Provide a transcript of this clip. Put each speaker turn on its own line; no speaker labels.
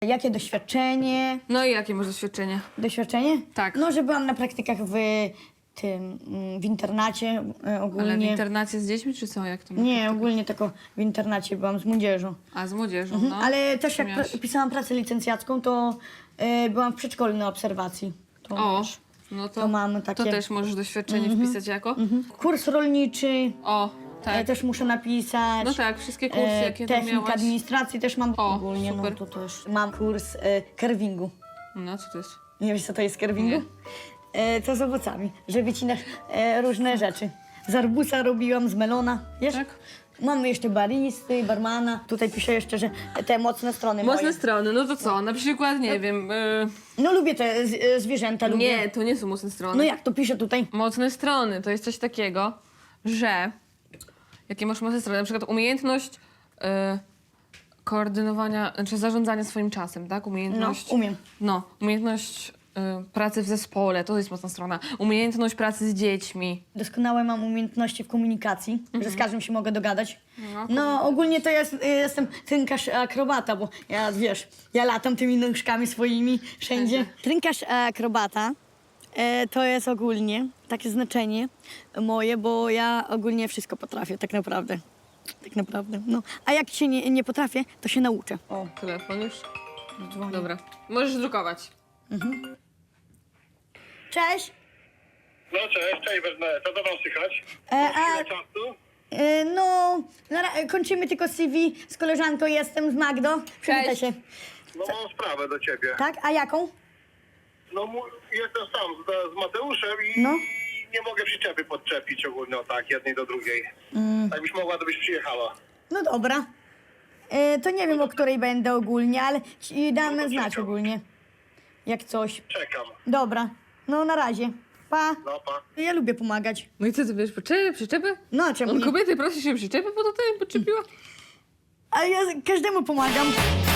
Jakie doświadczenie?
No i jakie masz doświadczenie?
Doświadczenie?
Tak.
No, że byłam na praktykach w internacie ogólnie.
Ale w internacie z dziećmi, czy co? Jak to
Nie, ogólnie tylko w internacie byłam z młodzieżą.
A, z młodzieżą, no.
Ale też jak
Miałaś-
pisałam pracę licencjacką, to byłam w przedszkolu na obserwacji. To
O,
wiesz,
no
to mamy
to
takie-
też możesz doświadczenie wpisać jako?
Kurs rolniczy
O, tak.
też muszę napisać.
No tak, wszystkie kursy, jakie tam
Technika
miałaś.
administracji też mam.
O,
ogólnie,
super.
no to też. Mam kurs kerwingu.
No, co to jest?
Nie wiesz, co to jest kerwingu? To z owocami, że wycinasz różne rzeczy. Z arbuza robiłam, z melona, wiesz?
Tak.
Mamy jeszcze baristy, barmana. Tutaj piszę jeszcze, że te mocne strony
Mocne
moje.
strony, no to co? Na przykład, nie wiem...
No lubię te zwierzęta, lubię.
Nie, to nie są mocne strony.
No jak to piszę tutaj?
Mocne strony to jest coś takiego, że... Jakie masz mocne strony? Na przykład umiejętność koordynowania, znaczy zarządzania swoim czasem, tak?
No,
Umiejętność...
umiem.
No, umiejętność pracy w zespole, to jest mocna strona. Umiejętność pracy z dziećmi.
Doskonałe mam umiejętności w komunikacji, że z każdym się mogę dogadać.
No,
No ogólnie to jestem trynkarz akrobata, bo ja wiesz, ja latam tymi nóżkami swoimi wszędzie. Trynkarz akrobata to jest ogólnie takie znaczenie moje, bo ja ogólnie wszystko potrafię tak naprawdę. Tak naprawdę, no. A jak się nie potrafię, to się nauczę.
O, telefon już.
Dzwonię.
Dobra. Możesz drukować.
Cześć!
No cześć Bernadette, co to wam słychać? Ile czasu?
No, kończymy tylko CV z koleżanką, jestem z Magdą. Przywitaj się.
No mam sprawę do ciebie.
Tak? A jaką?
No jestem sam z Mateuszem i
No.
nie mogę przyczepy podczepić ogólnie o tak, jednej do drugiej. Jakbyś mogła, to byś przyjechała.
No dobra. To nie wiem, o której będę ogólnie, ale ci damy znać
czekam.
ogólnie. Jak coś.
Czekam.
Dobra. No na razie. Pa.
No pa.
Ja lubię pomagać.
No i co, ty wiesz, przyczepy?
No a czemu
On
nie?
kobiety prosi się przyczepy, bo to ty podczepiła?
Ale ja każdemu pomagam.